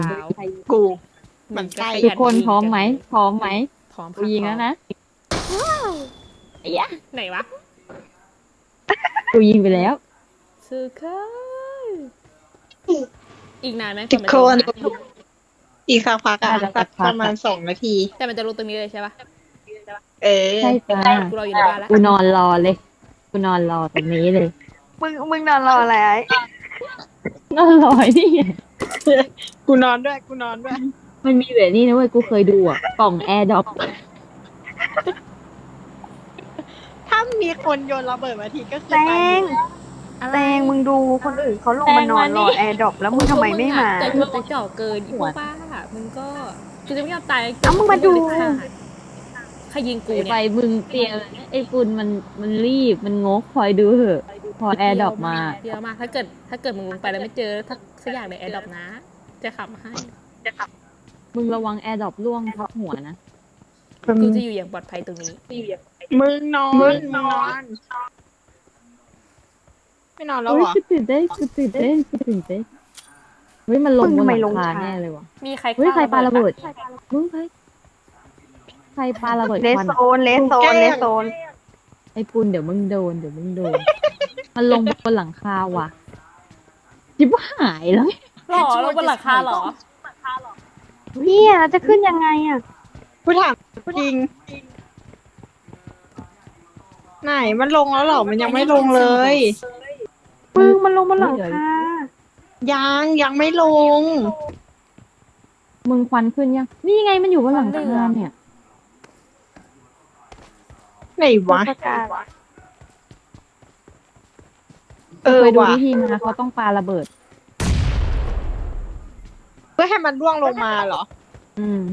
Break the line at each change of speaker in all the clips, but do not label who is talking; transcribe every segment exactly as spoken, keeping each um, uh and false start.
าว
กู
มึ
มัน
ง
ใกล้
ทุกคนพร้อมไหมพร้อมไหม
พร้อม
กูยิงแล้วนะไอ้ยะ
ไหนวะ
กูยิงไปแล้ว
สุดยอดอีกนานไหม
ทุกคน
ก่อมัจะลงมา
อีกสักพักอะ
น่าจะสั
สั
ก
ก
พัก
ประมาณสองนาที
แต่มันจะลงตรงนี้เลยใช่ปะ
เออ
ใช่จ้า
กูรออยู่ในบ้านแล้ว
กูนอนรอเลย กูนอนรอตรงนี้เลย
มึงมึงนอนรออะไรไอ้
นอนรอไอ้นี่ไง
กูนอนด้วย กูนอนด้วย
มันมีแบบนี้นะเว้ย กูเคยดูอ่ะ กล่องแอร์ดรอป
ถ้ามีคนโยนระเบิดมาทีก็คือ
แต
ตาย
ง
หมด
อะไร
แตงมึงดูคนอื่นเขาลงมานอนรอแอร์ดรอปแล้วมึงทำไมไม่มา
แต่กูจะเจาะเกินอีพวกบ้ามึงก็กูจะไม่ยอมตาย
เอ้ามึงมาดู
ใครยิงกู
ไป
เนี่ย
มึงเตรียมไอ้ปุนมันมันรีบ มันงกคอยดูเหอะ พอแอร์ดรอปมา
เยอะมากถ้าเกิดถ้าเกิดมึงลงไปแล้วไม่เจอถ้าสักอย่างในแอร์ดรอปนะ จะขับมาให้
มึงระวังแอร์ดรอปล่วงทับหัวนะ
กูจะอยู่อย่างปลอดภัยตรงนี้
มึงนอนนอน ไม่นอนแล้ว
เฮ้
เห
ย
รอ
กูตื่นเต้นกูตื่นเต้นกูตื่นเต้นเฮ้ยมันลง
มึง
บน
ทำไม
หลั
ลง
งคา
ช้า
แน่เลยวะ
มีใคร
เฮ้ยใครปาระเบิดมึงใครใครปาระเบิด
เล
ค
ส
วัน
โซนเลสโซนเลสโซน
ไอ้ปุนเดี๋ยวมึงโดนเดี๋ยวมึงโดน มันลงบนหลังคาว่ะจิบหายแล้ว
หรอลงบนหลังคาหรอ
เนี่ยจะขึ้นยังไงอ่ะ
กูถามจริง ไหนมันลงแล้วเหรอ มันยังไม่ลงเลย
มึงมันลงบนหลังคา
ยังยังไม่ลง
มึงควันขึ้นยังนี่ไงมันอยู่บนหลังคาเนี่ย
ไหนวะ
ประกาศ
เออ
เคยดู
ว่ะ
วิธีมาเขาต้องปาระเบิด
เพื่อให้มันร่วงลงมาเหรอ
อืม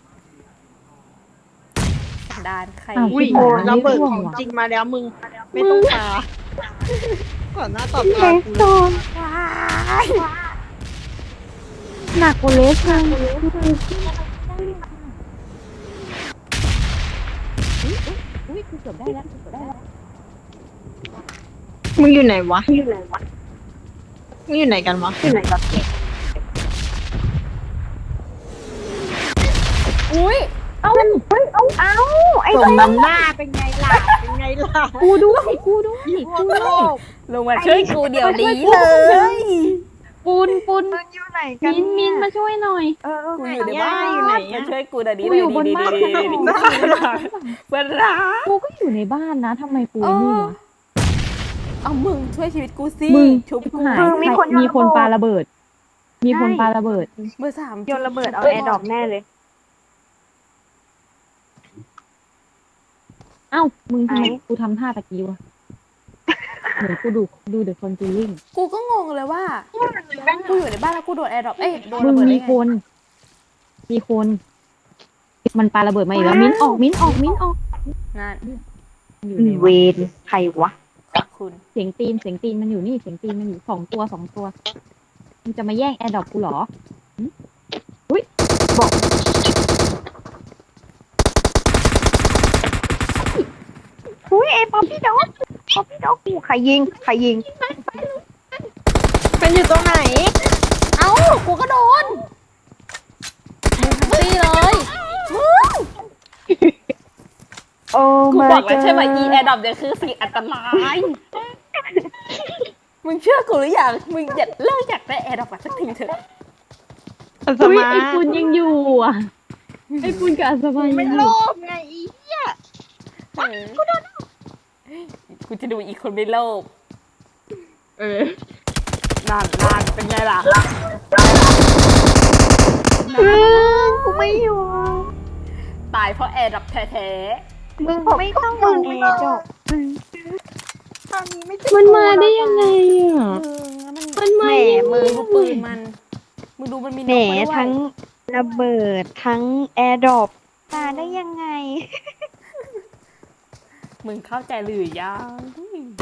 สันดานใคร
อ้าว
อุ้ย
ชิบหาย
ระเบิด
ร่ว
ข
ง
อง
ว่ะ
จริงมาแล้วมึง ไม่ต้องตาก่อนหน้าต่อ
เล
ตา
ส
กู
โซนหนักกว่าเลสเลย
อุ้ยกูเกือบได้แล้วกูเกือบได้แล้ว
มึงอยู่ไหนวะมึงอยู่ไหนวะมึงอยู่ไหนกันวะ
อยู่ไหนกัน
อุ้ย
เอ้าเฮ้ยเอ้าเอ้าไอ้
สมน้ำหน้าเป็นไงล่ะ เป็นไงล่ะ
กูด้วยกูด้วย
พว
กู
ก
ด้
โล
วย
ก
ลงมาช่วยกูเดี๋ยวนี้เลย
ปุนปุน
มึงอยู่ไหนกัน
มินมินมาช่วยหน่อย
เออ
กูอยู่ในบ้าน
อยู่ไหน
มา
อะ
ช่วยกูเดี๋ยวนี้
กู
เลย
อยู่บนบ้าน
ดีๆๆๆเพื่อนรัก
กูก็อยู่ในบ้านนะทำไมปู
เออ
นี่วะ
เอามึงช่วยชีวิตกูสิ
มึง
ชุบกู
หายมีคนมีคนปาระเบิด มีคนปาระเบิด
เบอร์สาม
โยนระเบิดเอาแอร์ดรอปแน่เลย
เอ้ามึงทำไม
ไอ้
กูทำท่าตะกี้วะเหมือนกูดูดูเดอะคอนจูริง
กูก็งงเลยว่ากูอยู่ในบ้านแล้วกูโดนแอร์ดรอปเอ้ยโดน
มึ
ระ
ง
เบิด
มี
ได้ไง
คน มีคน มันปาระเบิดมาอีกแล้วมิ้นออกมิ้นออกมิ้นออก
นั่น
อยู่
อี
ไหน
เว
วะ
นใครวะ
ขอบคุณ
เสียงตีนเสียงตีนมันอยู่นี่เสียงตีนมันอยู่สองตัวสองตัวมึงจะมาแย่งแอร์ดรอปกูเหรอหึอุ้ยบอก
อุ้ยไอ้ป๊อปปี้ด็อกป๊อปปี้ด็อกกูใครยิงใครยิง
เป็นอยู่ตรงไหน
เอ้ากูก็โดนมึงทั้งตีเลยมึง
โอ้
กู
มา
บอกแล้วใช่ไหมอีแอร์ดรอปเนี่ยคือสิ่งอันตรายมึงเชื่อกูหรือยังมึงอย่าเลิกอยากได้แอร์ดรอปสักทีเถอะ
อัศ
อุ้ย
มา
ไอ้ปุนยังอยู่อ่ะไอ้ปุนกับอัศมายัง
ไม่
อ
โล
ยู่
ภไงอีเหี้ย
กูโดนกูจะดูอีกคนไม่โลภ
เออ
นั่นนั่นเป็นไงล่ะ
เออกูไม่อยู่
ตายเพราะแอร์ดรอปแท้
มึงไม่ต้องมึงแอร์ดรอป
ตอนนี้ไม่ใช่
มันมาได้ยังไงอ่ะ
ๆมึงแล้วมัน
มัน
แห
มาม ได้ยังไง
มือ
ดูปืนมันมึงดูมันมีน
แหม
กมาด้วย
ทั้งระเบิดทั้งแอร์ดรอปมาได้ยังไง
มึงเข้าใจหรือยัง